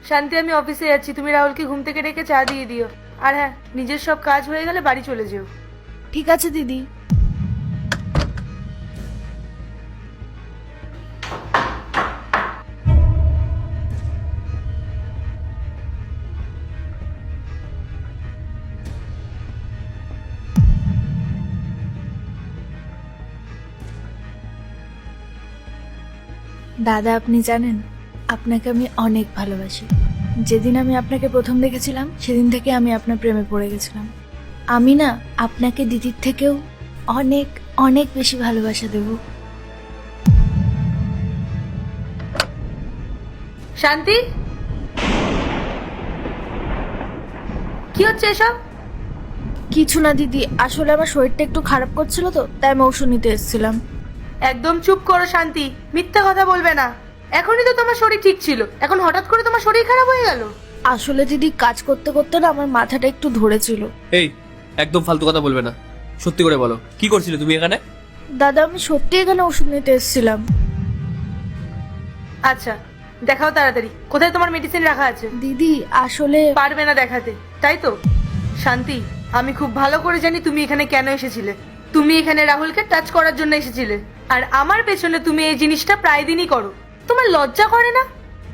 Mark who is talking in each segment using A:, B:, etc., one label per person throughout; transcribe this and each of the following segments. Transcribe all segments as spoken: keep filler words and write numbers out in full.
A: শান্তি, আমি অফিসে যাচ্ছি, তুমি রাহুলকে ঘুম থেকে ডেকে চা দিয়ে দিও। আর হ্যাঁ, নিজের সব কাজ হয়ে গেলে বাড়ি চলে যেও।
B: ঠিক আছে দিদি। দাদা, আপনি জানেন আপনাকে আমি অনেক ভালোবাসি। যেদিন আমি আপনাকে প্রথম দেখেছিলাম সেদিন থেকে আমি আপনার প্রেমে পড়ে গেছিলাম। আমি না আপনাকে দিদির থেকেও অনেক অনেক বেশি ভালোবাসা দেব।
A: শান্তি, কি হচ্ছে এসব?
B: কিছু না দিদি, আসলে আমার শরীরটা একটু খারাপ করছিল তো, তাই আমি ওষুধ নিতে এসেছিলাম।
A: একদম চুপ করো শান্তি, মিথ্যা কথা বলবে না। এখনই তো তোমার শরীর ঠিক ছিল, এখন হঠাৎ করে তোমার শরীর খারাপ হয়ে গেল।
B: আসলে দিদি কাজ করতে করতে না আমার মাথাটা একটু ধরেছিল।
C: এই, একদম ফালতু কথা বলবে না, সত্যি করে বলো কি করছিলে তুমি এখানে?
B: দাদা, আমি সত্যি এখানে ওষুধ নিতে এসেছিলাম।
A: আচ্ছা, দেখাও তাড়াতাড়ি, কোথায় তোমার মেডিসিন রাখা আছে?
B: দিদি আসলে
A: পারবে না দেখাতে, তাই তো? শান্তি, আমি খুব ভালো করে জানি তুমি এখানে কেন এসেছিলে। তুমি এখানে রাহুলকে টাচ করার জন্য এসেছিলে, আর আমার পেছনে তুমি এই জিনিসটা প্রায় দিনই করো। তোমার লজ্জা করে না?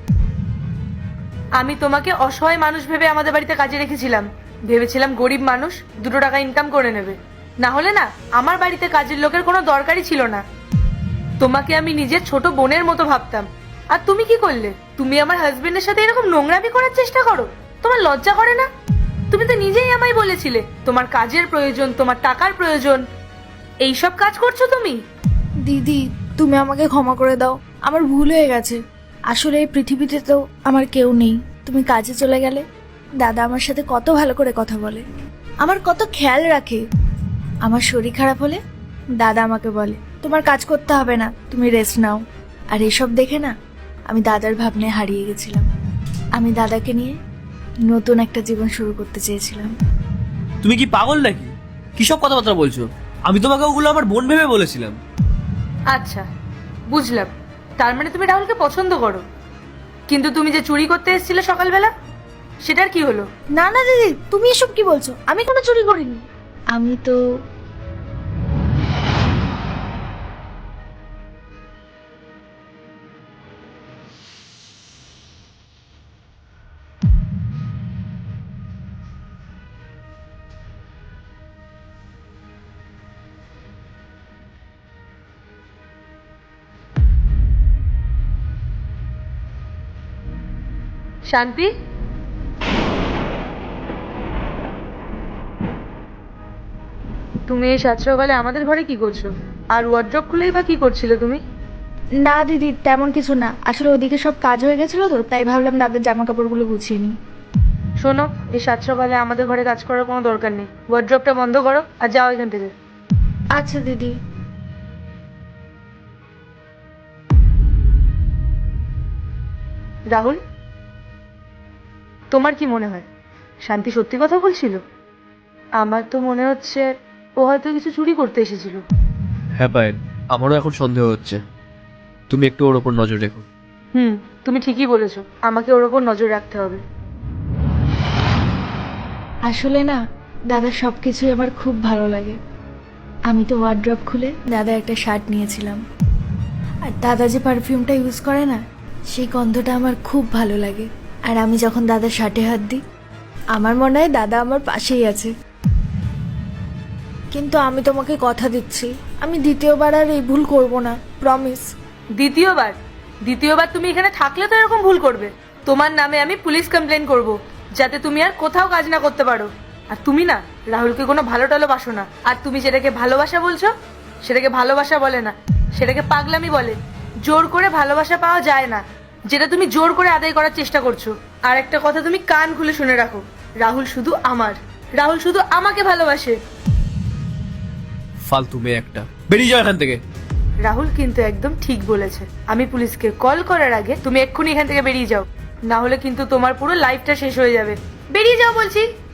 A: আমি তোমাকে অসহায় মানুষ ভেবে আমাদের বাড়িতে কাজে রেখেছিলাম। ভেবেছিলাম গরিব মানুষ দুটো টাকা ইনকাম করে নেবে, না হলে না আমার বাড়িতে কাজের লোকের কোনো দরকারই ছিল না। তোমাকে আমি নিজের ছোট বোনের মতো ভাবতাম। আর তুমি কি করলে? তুমি আমার হাজবেন্ডের সাথে এরকম নোংরামি করার চেষ্টা করো। তোমার লজ্জা করে না? তুমি তো নিজেই আমায় বলেছিলে তোমার কাজের প্রয়োজন, তোমার টাকার প্রয়োজন। এই সব কাজ করছো তুমি?
B: দিদি, তুমি আমাকে ক্ষমা করে দাও, আমার ভুল হয়ে গেছে। আসলে এই পৃথিবীতে তো আমার কেউ নেই। তুমি কাজে চলে গেলে দাদা আমার সাথে কত ভালো করে কথা বলে, আমার কত খেয়াল রাখে। আমার শরীর খারাপ হলে দাদা আমাকে বলে তোমার কাজ করতে হবে না, তুমি রেস্ট নাও। আর এসব দেখে না আমি দাদার ভাবনায় হারিয়ে গেছিলাম। আমি দাদাকে নিয়ে নতুন একটা জীবন শুরু করতে চেয়েছিলাম।
C: তুমি কি পাগল নাকি? কিসব কথাবার্তা বলছো? আমি তোমাকে ওগুলো আমার বোন ভেবে বলেছিলাম।
A: আচ্ছা, বুঝলাম, তার মানে তুমি রাহুলকে পছন্দ করো। কিন্তু তুমি যে চুরি করতে এসেছিলে সকালবেলা, সেটার কি হলো?
B: না না দিদি, তুমি এসব কি বলছো? আমি কোনো চুরি করিনি। আমি তো
A: শান্তি, তুমি এই সাত সকালে আমাদের ঘরে কি করছো? আর ওয়ার্ড্রপ খুলেই বা কি করছিলে তুমি?
B: না দিদি, তেমন কিছু না। আসলে ওদিকে সব কাজ হয়ে গেছিল তো, তাই ভাবলাম দাদার জামা কাপড়গুলো গুছিয়ে নিই।
A: শোনো, এই সাত সকালে আমাদের ঘরে কাজ করার কোনো দরকার নেই। ওয়ার্ড্রপটা বন্ধ করো আর যাও এখান থেকে।
B: আচ্ছা দিদি।
A: রাহুল, তোমার কি মনে হয় শান্তি সত্যি কথা বলছিল? আমার তো মনে হচ্ছে ও হয়তো কিছু চুরি করতে এসেছিল।
C: হ্যাঁ পায়েল, আমারও এখন সন্দেহ হচ্ছে। তুমি একটু ওর ওপর নজর রেখো।
A: হুম, তুমি ঠিকই বলেছো, আমাকে ওর ওপর নজর রাখতে হবে।
B: আসলে না দাদার সব কিছুই আমার খুব ভালো লাগে। আমি তো ওয়ার্ড্রপ খুলে দাদা একটা শার্ট নিয়েছিলাম, আর দাদা যে পারফিউমটা ইউজ করে না, সেই গন্ধটা আমার খুব ভালো লাগে। আর আমি যখন দাদার শার্টে হাত দিই আমার মনে হয় দাদা আমার পাশেই আছে। কিন্তু আমি তোমাকে কথা দিচ্ছি, আমি দ্বিতীয়বার আর এই ভুল করব না, প্রমিস।
A: দ্বিতীয়বার? দ্বিতীয়বার তুমি এখানে থাকলে তো এরকম ভুল করবে। তোমার নামে আমি পুলিশ কমপ্লেন করব, যাতে তুমি আর কোথাও কাজ না করতে পারো। আর তুমি না রাহুলকে কোনো ভালো টালো বাসো না। আর তুমি যেটাকে ভালোবাসা বলছো, সেটাকে ভালোবাসা বলে না, সেটাকে পাগলামি বলে। জোর করে ভালোবাসা পাওয়া যায় না, যেটা তুমি জোর করে আদায় করার চেষ্টা করছো। আর একটা কথা তুমি কান খুলে শুনে রাখো, রাহুল শুধু আমার, রাহুল শুধু আমাকে ভালোবাসে।
C: ফালতু মেয়ে একটা, বেরিয়ে যাও এখান থেকে।
A: রাহুল কিন্তু একদম ঠিক বলেছে। আমি পুলিশকে কল করার আগে তুমি এক্ষুনি এখান থেকে বেরিয়ে যাও, না হলে কিন্তু তোমার পুরো লাইফটা শেষ হয়ে যাবে। বেরিয়ে যাও বলছি।